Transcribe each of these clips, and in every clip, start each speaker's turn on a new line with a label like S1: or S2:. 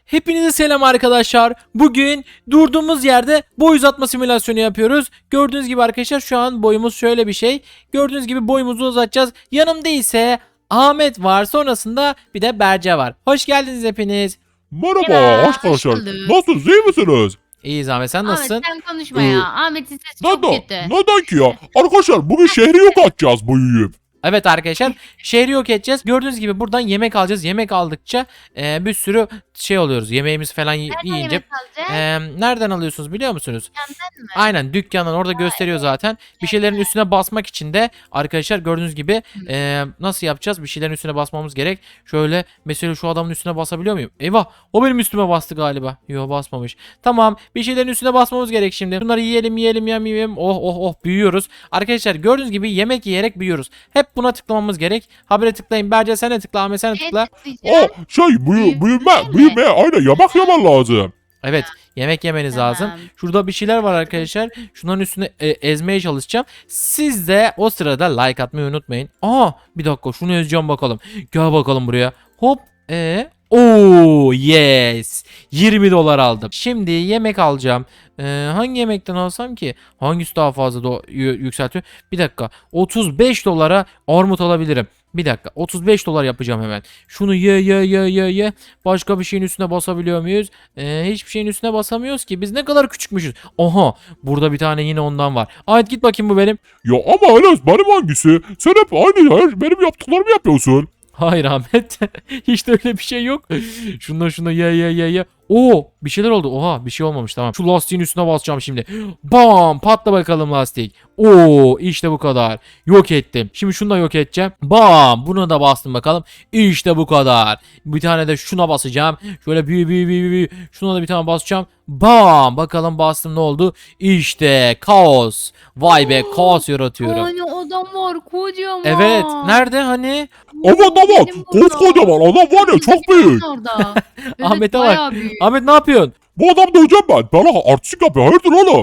S1: Hepinize selam arkadaşlar. Bugün durduğumuz yerde boy uzatma simülasyonu yapıyoruz. Gördüğünüz gibi arkadaşlar şu an boyumuz şöyle bir şey. Gördüğünüz gibi boyumuzu uzatacağız. Yanımda ise Ahmet var. Sonrasında bir de Berce var. Hoş geldiniz hepiniz.
S2: Merhaba
S3: Merhaba,
S2: arkadaşlar.
S3: hoş bulduk.
S2: Nasılsınız? İyi misiniz?
S1: İyiyiz Ahmet, sen nasılsın?
S3: Ahmet sen konuşma ya. Ahmet'in sesi çok
S2: Neden?
S3: kötü.
S2: Neden ki ya? Arkadaşlar bugün şehri yok atacağız büyüyüp.
S1: Evet arkadaşlar, şehri yok edeceğiz. Gördüğünüz gibi buradan yemek alacağız. Yemek aldıkça bir sürü şey oluyoruz. Yemeğimiz falan
S3: Nereden
S1: yiyince.
S3: yemek alacağız?
S1: Nereden alıyorsunuz biliyor musunuz?
S3: Dükkandan mı?
S1: Aynen, dükkandan orada gösteriyor zaten. Bir şeylerin üstüne basmak için de arkadaşlar gördüğünüz gibi nasıl yapacağız? Bir şeylerin üstüne basmamız gerek. Şöyle mesela şu adamın üstüne basabiliyor muyum? Eyvah, o benim üstüme bastı galiba. Yok, basmamış. Tamam, bir şeylerin üstüne basmamız gerek şimdi. Bunları yiyelim. Oh büyüyoruz. Arkadaşlar gördüğünüz gibi yemek yiyerek büyüyoruz. Hep buna tıklamamız gerek. Habere tıklayın. Berce sen de tıkla. Ahmet sen de tıkla.
S2: Büyüme. Aynen yemek yemen lazım.
S1: Evet, yemek yemeniz
S3: Tamam.
S1: lazım. Şurada bir şeyler var arkadaşlar. Şunların üstüne ezmeye çalışacağım. Siz de o sırada like atmayı unutmayın. Aa, bir dakika şunu ezeceğim bakalım. Gel bakalım buraya. Hop. Oo yes. 20 dolar aldım. Şimdi yemek alacağım. Hangi yemekten alsam ki? Hangisi daha fazla yükseltiyor? Bir dakika. 35 dolara armut alabilirim. Bir dakika. 35 dolar yapacağım hemen. Şunu ye. Başka bir şeyin üstüne basabiliyor muyuz? Hiçbir şeyin üstüne basamıyoruz ki. Biz ne kadar küçükmüşüz. Oha. Burada bir tane yine ondan var. Ahmet git bakayım, bu benim.
S2: Ya ama Enes benim hangisi? Sen hep aynı benim yaptıklarımı yapıyorsun.
S1: Hayır Ahmet. Hiç de öyle bir şey yok. Şundan ye. Oo, bir şeyler oldu. Oha, bir şey olmamış, tamam. Şu lastiğin üstüne basacağım şimdi. Bam, patla bakalım lastik. Oo, işte bu kadar. Yok ettim. Şimdi şunu da yok edeceğim. Bam, bunu da bastım bakalım. İşte bu kadar. Bir tane de şuna basacağım. Şöyle büyü. Şuna da bir tane basacağım. Bam, bakalım bastım, ne oldu? İşte kaos. Vay be, kaos yaratıyorum.
S3: Yani adam var kocaman.
S1: Evet, nerede hani?
S2: Aman
S3: Benim burada.
S2: koskocaman adam var ya çok büyük.
S3: Orada. Evet,
S1: Ahmet'e bak.
S3: bayağı büyük.
S1: Ahmet ne yapıyorsun?
S2: Bu adam döveceğim ben. Bana artistik yapıyor. Hayırdır oğlum?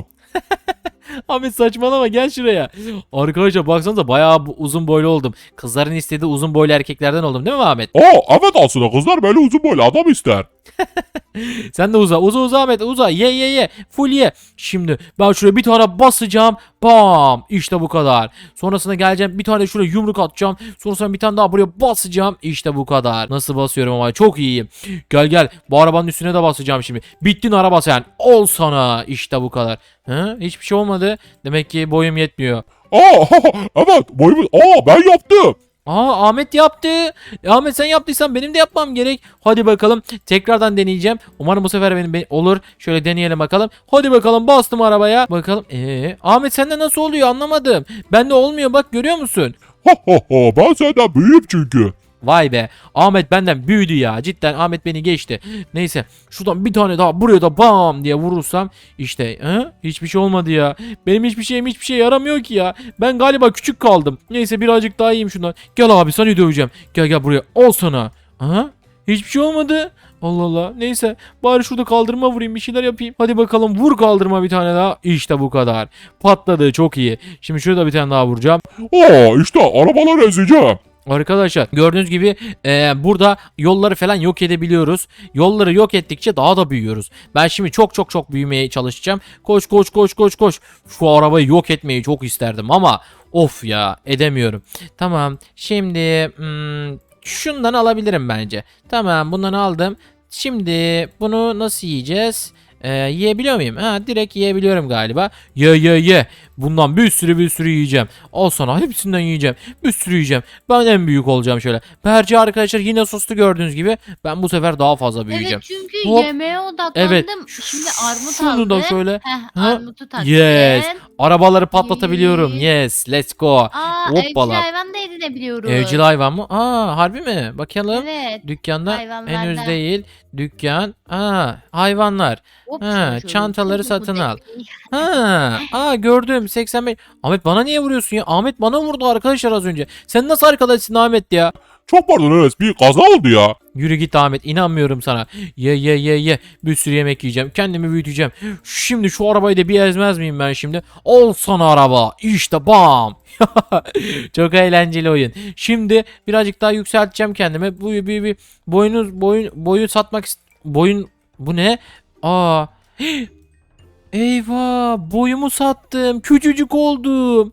S1: Ahmet saçmalama, gel şuraya. Arkadaşlar baksanıza bayağı uzun boylu oldum. Kızların istediği uzun boylu erkeklerden oldum değil mi Ahmet?
S2: Evet aslında kızlar böyle uzun boylu adam ister.
S1: Sen de uza Ahmet, uza, ye. Full ye. Şimdi ben şuraya bir tane basacağım. Bam, işte bu kadar. Sonrasında geleceğim, bir tane şuraya yumruk atacağım. Sonrasında bir tane daha buraya basacağım. İşte bu kadar. Nasıl basıyorum ama çok iyiyim. Gel, bu arabanın üstüne de basacağım şimdi. Bittin araba sen. Ol sana. İşte bu kadar. Hiçbir şey olmadı. Demek ki boyum yetmiyor.
S2: Evet boyumuz. Ben yaptım.
S1: Ahmet yaptı. Ahmet sen yaptıysan benim de yapmam gerek. Hadi bakalım. Tekrardan deneyeceğim. Umarım bu sefer benim olur. Şöyle deneyelim bakalım. Hadi bakalım, bastım arabaya. Bakalım. Ahmet sende nasıl oluyor anlamadım. Bende olmuyor, bak görüyor musun?
S2: Ben senden büyüğüm çünkü.
S1: Vay be. Ahmet benden büyüdü ya. Cidden Ahmet beni geçti. Neyse. Şuradan bir tane daha buraya da bam diye vurursam işte hiçbir şey olmadı ya. Benim hiçbir şey yaramıyor ki ya. Ben galiba küçük kaldım. Neyse birazcık daha yiyeyim şundan. Gel abi, seni döveceğim. Gel buraya. Al sana. Hiçbir şey olmadı. Allah Allah. Neyse. Bari şurada kaldırma vurayım, bir şeyler yapayım. Hadi bakalım, vur kaldırma bir tane daha. İşte bu kadar. Patladı, çok iyi. Şimdi şurada bir tane daha vuracağım.
S2: İşte arabaları ezeceğim.
S1: Arkadaşlar gördüğünüz gibi burada yolları falan yok edebiliyoruz. Yolları yok ettikçe daha da büyüyoruz. Ben şimdi çok büyümeye çalışacağım. Koş. Şu arabayı yok etmeyi çok isterdim ama of ya, edemiyorum. Tamam, şimdi şundan alabilirim bence. Tamam, bundan aldım. Şimdi bunu nasıl yiyeceğiz? Yiyebiliyor muyum? Direkt yiyebiliyorum galiba. Ye. Bundan bir sürü yiyeceğim. Al sana, hepsinden yiyeceğim. Bir sürü yiyeceğim. Ben en büyük olacağım şöyle. Berce arkadaşlar yine sustu gördüğünüz gibi. Ben bu sefer daha fazla büyüyeceğim.
S3: Evet çünkü
S1: Hop.
S3: yemeğe odaklandım.
S1: Evet.
S3: Şimdi armut
S1: Şunu
S3: aldım.
S1: da şöyle.
S3: Armutu taktım.
S1: Yes. Arabaları patlatabiliyorum. Yes. Let's go.
S3: Evcil
S1: Hoppala.
S3: hayvan da edinebiliyoruz.
S1: Evcil hayvan mı? Harbi mi? Bakalım.
S3: Evet.
S1: Dükkanda
S3: Hayvanlardan.
S1: henüz değil. Dükkan. Hayvanlar.
S3: Hop,
S1: Ha,
S3: şöyle
S1: çantaları
S3: çok
S1: satın al.
S3: güzel.
S1: Gördüm, 85. Ahmet bana niye vuruyorsun ya? Ahmet bana vurdu arkadaşlar az önce. Sen nasıl arkadaşsın Ahmet ya?
S2: Çok pardon Enes, bir kaza oldu ya.
S1: Yürü git Ahmet, inanmıyorum sana. Ye. Bir sürü yemek yiyeceğim. Kendimi büyüteceğim. Şimdi şu arabayı da bir ezmez miyim ben şimdi? Al sana araba. İşte bam. Çok eğlenceli oyun. Şimdi birazcık daha yükselteceğim kendimi. Boyu satmak boyun Bu ne? Aa. Eyvah, boyumu sattım. Küçücük oldum.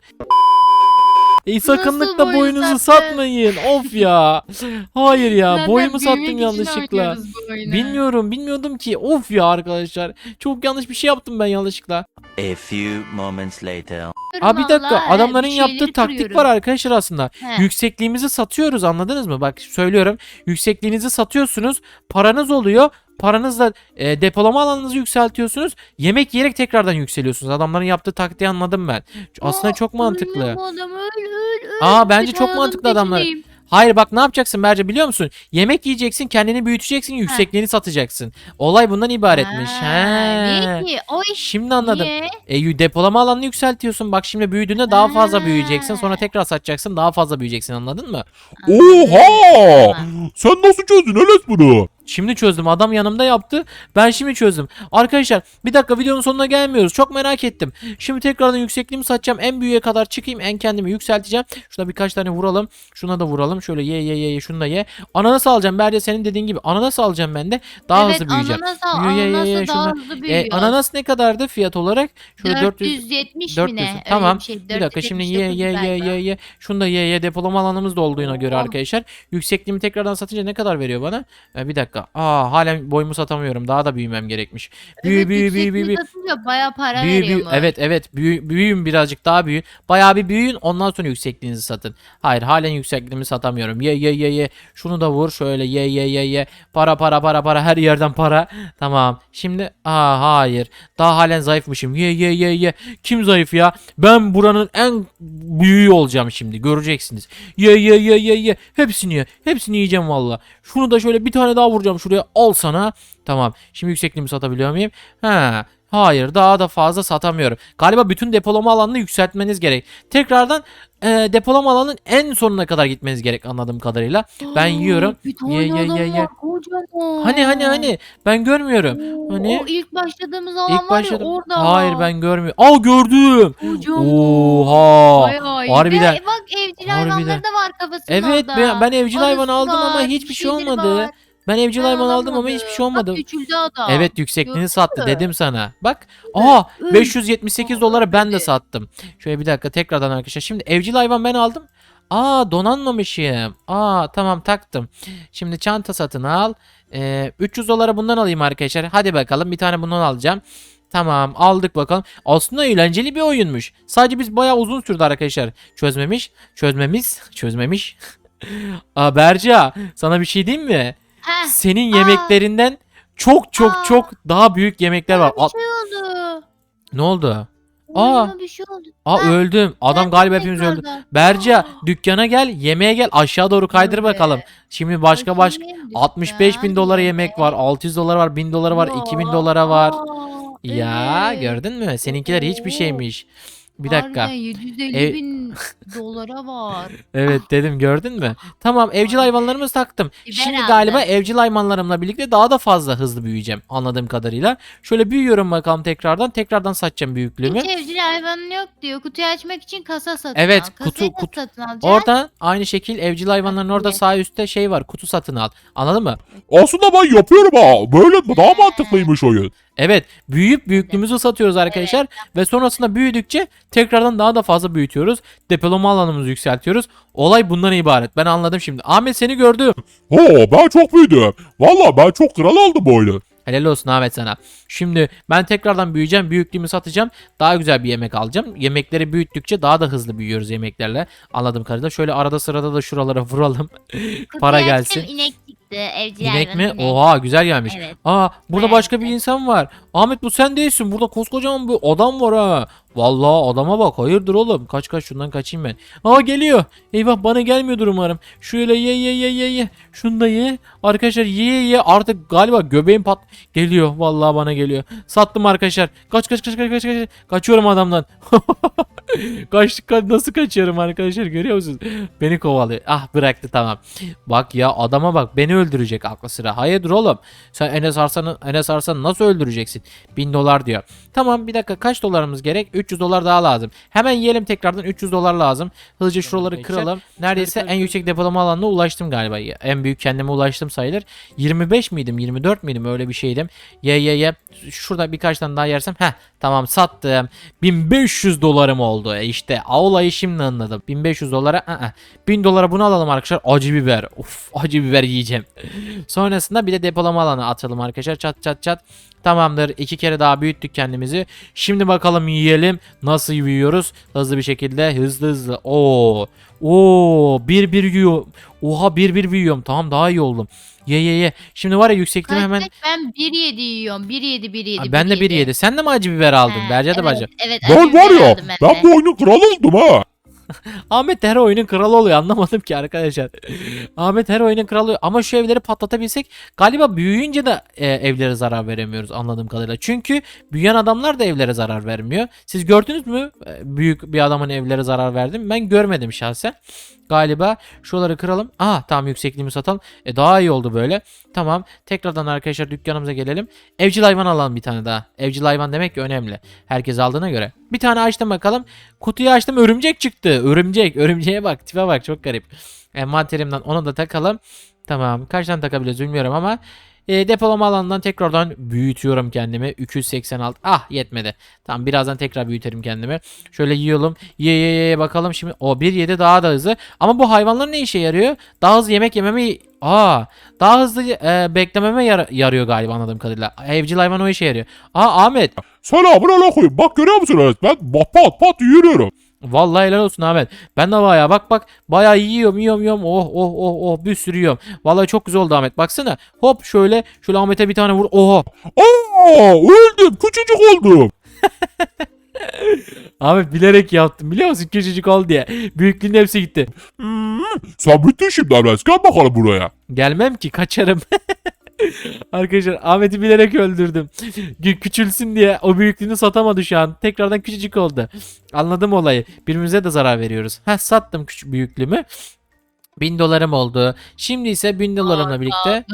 S1: Sakınlıkla
S3: boyu
S1: boyunuzu
S3: sattın?
S1: satmayın. Of ya. Hayır ya,
S3: Zaten
S1: boyumu sattım
S3: büyümek için
S1: yanlışlıkla.
S3: oynuyoruz bu oyunu.
S1: Bilmiyordum ki. Of ya arkadaşlar. Çok yanlış bir şey yaptım ben yanlışlıkla.
S4: A few moments later.
S1: Aa, bir dakika,
S3: Vallahi,
S1: adamların
S3: bir
S1: yaptığı
S3: şeyleri
S1: taktik
S3: kırıyorum.
S1: var arkadaşlar aslında.
S3: He.
S1: Yüksekliğimizi satıyoruz, anladınız mı? Bak söylüyorum. Yüksekliğinizi satıyorsunuz. Paranız oluyor. Paranızla depolama alanınızı yükseltiyorsunuz. Yemek yiyerek tekrardan yükseliyorsunuz. Adamların yaptığı taktiği anladım ben. Aslında
S3: Aa,
S1: çok mantıklı.
S3: ölüyor bu adam, öl.
S1: Aa, bence
S3: Bir
S1: çok
S3: tane
S1: mantıklı
S3: adamın
S1: adamlar.
S3: peşindeyim.
S1: Hayır bak, ne yapacaksın Berce biliyor musun? Yemek yiyeceksin, kendini büyüteceksin, yüksekliğini satacaksın. Olay bundan ibaretmiş.
S3: Niye ki? O iş
S1: Şimdi anladım.
S3: niye?
S1: Depolama alanını yükseltiyorsun. Bak şimdi büyüdüğünde daha fazla
S3: Ha.
S1: büyüyeceksin. Sonra tekrar satacaksın, daha fazla büyüyeceksin, anladın mı?
S2: Oha!
S3: Tamam.
S2: Sen nasıl çözdün Enes bunu?
S1: Şimdi çözdüm. Adam yanımda yaptı. Ben şimdi çözdüm. Arkadaşlar bir dakika, videonun sonuna gelmiyoruz. Çok merak ettim. Şimdi tekrardan yüksekliğimi satacağım. En büyüğe kadar çıkayım. En kendimi yükselteceğim. Şurada birkaç tane vuralım. Şuna da vuralım. Şöyle ye. Şunu da ye. Ananas alacağım. Berce senin dediğin gibi. Ananas alacağım ben de. Daha
S3: Evet,
S1: hızlı büyüyeceğim.
S3: ananasa daha
S1: şundan.
S3: hızlı büyüyor.
S1: Ananas ne kadardı fiyat olarak? Şöyle
S3: 470 mi
S1: 400.
S3: ne? Öyle
S1: Tamam.
S3: bir şey.
S1: Bir dakika, şimdi
S3: 479 galiba.
S1: ye. Şunu da ye. Depolama alanımız da olduğuna göre
S3: Oh.
S1: arkadaşlar. Yüksekliğimi tekrardan satınca ne kadar veriyor bana? Bir dakika. Halen boyumu satamıyorum. Daha da büyümem gerekmiş.
S3: Evet,
S1: Büyü.
S3: yüksekliği satınca bayağı para veriyormuş.
S1: Evet. Büyüyün birazcık daha büyüyün. Bayağı bir büyüyün. Ondan sonra yüksekliğinizi satın. Hayır, halen yüksekliğimi satamıyorum. Ye. Şunu da vur. Şöyle ye. Para. Her yerden para. Tamam. Şimdi hayır. Daha halen zayıfmışım. Ye. Kim zayıf ya? Ben buranın en büyüğü olacağım şimdi. Göreceksiniz. Ye. Hepsini yiyeceğim valla. Şunu da şöyle bir tane daha vuracağım şuraya. Al sana. Tamam. Şimdi yüksekliğimi satabiliyor muyum? Hayır, daha da fazla satamıyorum. Galiba bütün depolama alanını yükseltmeniz gerek. Tekrardan depolama alanının en sonuna kadar gitmeniz gerek anladığım kadarıyla. Ben yiyorum.
S3: Bir tane
S1: Ye.
S3: adam var, kocaman.
S1: Hani ben görmüyorum.
S3: Oo,
S1: Hani
S3: o ilk başladığımız alan
S1: ilk
S3: var ya,
S1: başladım.
S3: orada.
S1: Hayır, ben görmüyorum. Gördüm.
S3: Kocaman.
S1: Oha.
S3: Bayağı iyi.
S1: Harbiden.
S3: Ve bak, evcil
S1: Harbiden.
S3: hayvanları da var kafasında
S1: Evet,
S3: orada.
S1: ben evcil hayvan
S3: Arısı
S1: aldım ama
S3: var,
S1: hiçbir
S3: bir
S1: şey
S3: şeyleri
S1: olmadı.
S3: var.
S1: Ben evcil
S3: Ben
S1: hayvan aldım ama
S3: alamadım.
S1: hiçbir şey olmadı.
S3: Bak, küçüldü adam.
S1: Evet, yüksekliğini
S3: Gördün
S1: sattı
S3: mü?
S1: dedim sana. Bak.
S3: Öl.
S1: 578 dolara ben de
S3: Öyle.
S1: sattım. Şöyle bir dakika, tekrardan arkadaşlar. Şimdi evcil hayvan ben aldım. Donanmamışım. Tamam, taktım. Şimdi çanta satın al. 300 dolara bundan alayım arkadaşlar. Hadi bakalım, bir tane bundan alacağım. Tamam, aldık bakalım. Aslında eğlenceli bir oyunmuş. Sadece biz bayağı uzun sürdü arkadaşlar. Çözmemiş. Berca, sana bir şey diyeyim mi?
S3: Heh,
S1: Senin yemeklerinden çok daha büyük yemekler var.
S3: bir şey oldu.
S1: Ne oldu?
S3: Oyunuma bir şey oldu.
S1: Öldüm. Adam galiba hepimiz öldü. Berca, dükkana gel, yemeğe gel, aşağı doğru kaydır
S3: Dur
S1: bakalım.
S3: be.
S1: Şimdi başka
S3: Bakayım,
S1: 65 bin dolara
S3: dükkan,
S1: yemek var, 600 dolara var, 1000 dolara var, 2000 dolara var. Ya
S3: evet.
S1: gördün mü? Seninkiler hiçbir
S3: Oo.
S1: şeymiş. Bir dakika.
S3: Harbiden 750
S1: Ev-
S3: bin dolara var.
S1: Evet dedim, gördün mü? Tamam, evcil hayvanlarımızı taktım.
S3: Biber
S1: Şimdi
S3: aldım.
S1: galiba evcil hayvanlarımla birlikte daha da fazla hızlı büyüyeceğim anladığım kadarıyla. Şöyle büyüyorum bakalım tekrardan. Tekrardan satacağım büyüklüğümü.
S3: Hiç evcil hayvanın yok diyor. Kutuyu açmak için kasa satın
S1: Evet,
S3: al. Kasayı
S1: kutu-
S3: nasıl
S1: kutu-
S3: satın alacaksın?
S1: Orada aynı şekil evcil hayvanların orada
S3: Evet.
S1: sağ üstte şey var. Kutu satın al. Anladın mı?
S2: Aslında ben yapıyorum ha. Böyle daha mantıklıymış oyun.
S1: Evet, büyüyüp büyüklüğümüzü satıyoruz arkadaşlar ve sonrasında büyüdükçe tekrardan daha da fazla büyütüyoruz. Depolama alanımızı yükseltiyoruz. Olay bundan ibaret. Ben anladım şimdi. Ahmet, seni gördüm.
S2: Ben çok büyüdüm. Valla ben çok kral oldum bu oyunu.
S1: Helal olsun Ahmet sana. Şimdi ben tekrardan büyüyeceğim. Büyüklüğümü satacağım. Daha güzel bir yemek alacağım. Yemekleri büyüttükçe daha da hızlı büyüyoruz yemeklerle. Anladığım kadarıyla. Şöyle arada sırada da şuralara vuralım. Para
S3: Kutuyu
S1: gelsin.
S3: açtım, inek çıktı. Evcil
S1: İnek
S3: hayvan
S1: mi?
S3: inek.
S1: Oha, güzel gelmiş.
S3: Evet.
S1: Burada
S3: Evet.
S1: başka bir insan var. Ahmet, bu sen değilsin. Burada koskocaman bir adam var ha. Vallahi adama bak. Hayırdır oğlum? Kaç şundan kaçayım ben. Geliyor. Eyvah, bana gelmiyordur umarım. Şöyle ye. Şunu da ye. Arkadaşlar ye. Artık galiba göbeğim geliyor. Vallahi bana geliyor. Sattım arkadaşlar. Kaç. Kaçıyorum adamdan. Nasıl kaçıyorum arkadaşlar, görüyor musunuz? Beni kovalıyor. Bıraktı, tamam. Bak ya, adama bak, beni öldürecek aklı sıra. Hayırdır oğlum? Sen Enes Arslan'ı nasıl öldüreceksin? 1000 dolar diyor. Tamam, bir dakika, kaç dolarımız gerek? 300 dolar daha lazım. Hemen yiyelim tekrardan, 300 dolar lazım. Hızlıca şuraları kıralım. Neredeyse en yüksek depolama alanına ulaştım galiba. En büyük kendime ulaştım sayılır. 25 miydim? 24 miydim? Öyle bir şeydim. Ye. Şurada birkaç tane daha yersem. Tamam, sattım. 1500 dolarım oldu. İşte olayı şimdi anladım. 1500 dolara 1000 dolara bunu alalım arkadaşlar. Acı biber. Of, acı biber yiyeceğim. Sonrasında bir de depolama alanı atalım arkadaşlar. Çat. Tamamdır. 2 kere daha büyüttük kendimizi. Şimdi bakalım yiyelim. Nasıl büyüyoruz? Hızlı bir şekilde. Hızlı. Bir yiyor. Oha, bir büyüyorum. Tamam, daha iyi oldum. Ye. Şimdi var ya, yüksekliğimi hemen...
S3: Ben 1.7 yiyorum. 1.7.
S1: Ben de 1.7. Sen de mi acı biber aldın? Berce de bacı.
S3: Evet.
S2: Ben
S3: acı
S2: var
S3: biber
S2: ya
S3: aldım
S2: ben
S3: de.
S2: bu oyunun kralı oldum ha.
S1: Ahmet de her oyunun kralı oluyor, anlamadım ki arkadaşlar. Ahmet her oyunun kralı oluyor. Ama şu evleri patlatabilsek galiba büyüyünce de evlere zarar veremiyoruz anladığım kadarıyla. Çünkü büyüyen adamlar da evlere zarar vermiyor. Siz gördünüz mü büyük bir adamın evlere zarar verdi mi? Ben görmedim şahsen. Galiba şuraları kıralım. Tamam, yüksekliğimi satalım. Daha iyi oldu böyle. Tamam, tekrardan arkadaşlar dükkanımıza gelelim. Evcil hayvan alalım bir tane daha. Evcil hayvan demek ki önemli. Herkes aldığına göre. Bir tane açtım bakalım. Kutuyu açtım, örümcek çıktı. Örümceğe bak, tipe bak, çok garip. Envanterimden onu da takalım. Tamam, kaç tane takabiliriz bilmiyorum ama depolama alanından tekrardan büyütüyorum kendimi. 286. Yetmedi. Tamam, birazdan tekrar büyüterim kendimi. Şöyle yiyelim. Ye bakalım şimdi. 1.7 daha da hızlı. Ama bu hayvanlar ne işe yarıyor? Daha hızlı yemek yememi... daha hızlı beklememe yarıyor galiba anladığım kadarıyla. Evcil hayvan o işe yarıyor. Ahmet.
S2: Selamünaleyküm. Bak görüyor musunuz? Ben pat yürüyorum.
S1: Vallahi helal olsun Ahmet. Ben de bayağı bak bayağı yiyorum. Oh, bir sürü yiyorum. Vallahi çok güzel oldu Ahmet. Baksana. Hop şöyle Ahmet'e bir tane vur. Oha.
S2: Öldüm. Küçücük oldum.
S1: Ahmet bilerek yaptım, biliyor musun? Küçücük oldu diye. Büyüklüğün hepsi gitti.
S2: Sen bittin şimdi Emres. Gel bakalım buraya.
S1: Gelmem ki, kaçarım. Arkadaşlar Ahmet'i bilerek öldürdüm. Küçülsün diye o büyüklüğünü satamadı şu an. Tekrardan küçücük oldu. Anladım olayı. Birbirimize de zarar veriyoruz. Sattım küçük büyüklüğümü. 1000 dolarım oldu. Şimdi ise 1000 dolarımla birlikte...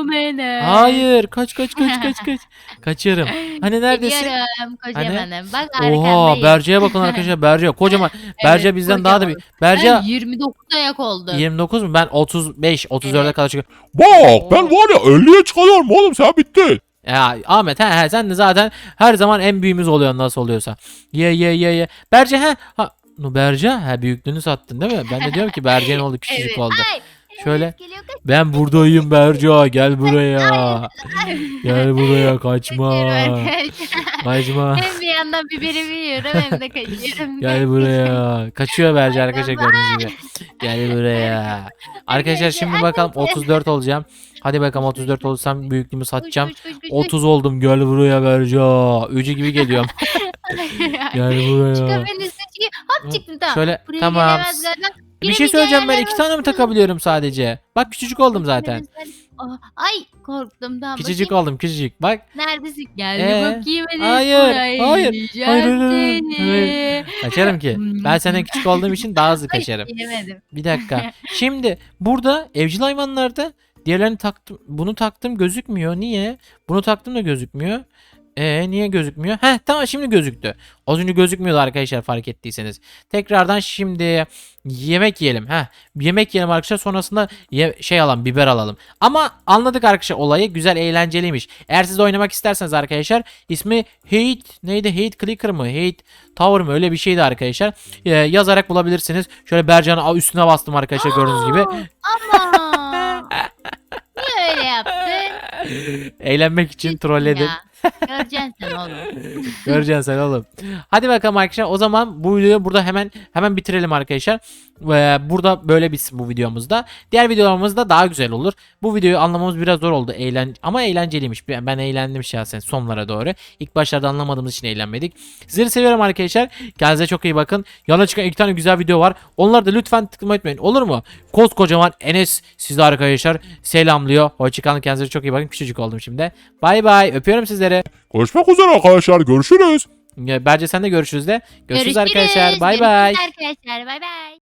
S1: Hayır, kaç. Kaçıyorum. Hani neredesin?
S3: Gidiyorum kocamanım. Bak
S1: Oha,
S3: arkandayım.
S1: Berce'ye bakın arkadaşlar, Berce kocaman. Berce bizden daha da büyük. Berce
S3: Ben 29 ayak oldum.
S1: 29 mu? Ben 35, 34'e
S3: Evet.
S1: kadar çıkıyorum.
S2: Bak ben var ya 50'ye çıkıyorum oğlum, sen bittin.
S1: Ya Ahmet, sen de zaten her zaman en büyüğümüz oluyor nasıl oluyorsa. Ye. Berce Berce büyüklüğünü sattın değil mi? Ben de diyorum ki Berce'nin oldu, küçücük
S3: Evet.
S1: oldu.
S3: Ay,
S1: Şöyle.
S3: evet, geliyor, kaç-
S1: Ben buradayım Berce, gel buraya. Gel buraya, kaçma.
S3: Kaçıyorum arkadaşlar.
S1: Kaçma.
S3: Hem bir yandan biberimi yiyorum hem de kaçıyorum.
S1: Gel buraya. Kaçıyor Berce arkadaşlar, gördüğünüz gibi. Gel buraya. Arkadaşlar şimdi bakalım 34 olacağım. Hadi bakalım 34 olursam büyüklüğümü satacağım.
S3: Koş.
S1: 30 oldum, gel buraya Berce. Ücü gibi geliyorum. Gel buraya.
S3: Çıkabilirsin çünkü hop çıktım tamam.
S1: Şöyle
S3: Buraya
S1: tamam.
S3: gelemez galiba.
S1: Bir şey
S3: Giremeyeceği
S1: söyleyeceğim, ben
S3: yerler
S1: 2 tane mi
S3: var.
S1: takabiliyorum sadece? Bak küçücük oldum zaten.
S3: Ay korktum tamam.
S1: Küçücük
S3: Bakayım.
S1: oldum, küçücük. Bak.
S3: Neredesin? Gel
S1: Ee?
S3: bakayım hadi.
S1: Hayır,
S3: Buraya
S1: hayır,
S3: yiyeceğim
S1: hayır.
S3: seni.
S1: Kaçarım ki. Ben senden küçük olduğum için daha hızlı
S3: Ay,
S1: kaçarım.
S3: yemedim.
S1: Bir dakika. Şimdi burada evcil hayvanlarda diğerlerini taktım. Bunu taktım, gözükmüyor. Niye? Bunu taktım da gözükmüyor. Niye gözükmüyor? Tamam, şimdi gözüktü. Az önce gözükmüyordu arkadaşlar, fark ettiyseniz. Tekrardan şimdi yemek yiyelim. Yemek yiyelim arkadaşlar, sonrasında biber alalım. Ama anladık arkadaşlar olayı, güzel, eğlenceliymiş. Eğer siz de oynamak isterseniz arkadaşlar, ismi Hate Clicker mı? Hate Tower mı? Öyle bir şeydi arkadaşlar. Yazarak bulabilirsiniz. Şöyle Bercan'ın üstüne bastım arkadaşlar, gördüğünüz gibi.
S3: Ama. Niye öyle yaptın?
S1: Eğlenmek için trolledim.
S3: Ya. Göreceksin sen oğlum.
S1: Göreceksin sen oğlum. Hadi bakalım arkadaşlar. O zaman bu videoyu burada hemen bitirelim arkadaşlar. Burada böyle bitsin bu videomuzda. Diğer videolarımızda daha güzel olur. Bu videoyu anlamamız biraz zor oldu. Ama eğlenceliymiş. Ben eğlendim şahsen sonlara doğru. İlk başlarda anlamadığımız için eğlenmedik. Sizleri seviyorum arkadaşlar. Kendinize çok iyi bakın. Yana çıkan 2 tane güzel video var. Onları da lütfen tıklamayı unutmayın. Olur mu? Koskocaman Enes sizi arkadaşlar selamlıyor. Hoşçakalın. Kendinize çok iyi bakın. Küçücük oldum şimdi. Bay bay. Öpüyorum sizleri.
S2: Görüşmek üzere arkadaşlar, görüşürüz.
S1: Bence sen de görüşürüz de. Görüşürüz arkadaşlar. Bay bay.
S3: Görüşürüz arkadaşlar. Bay bay.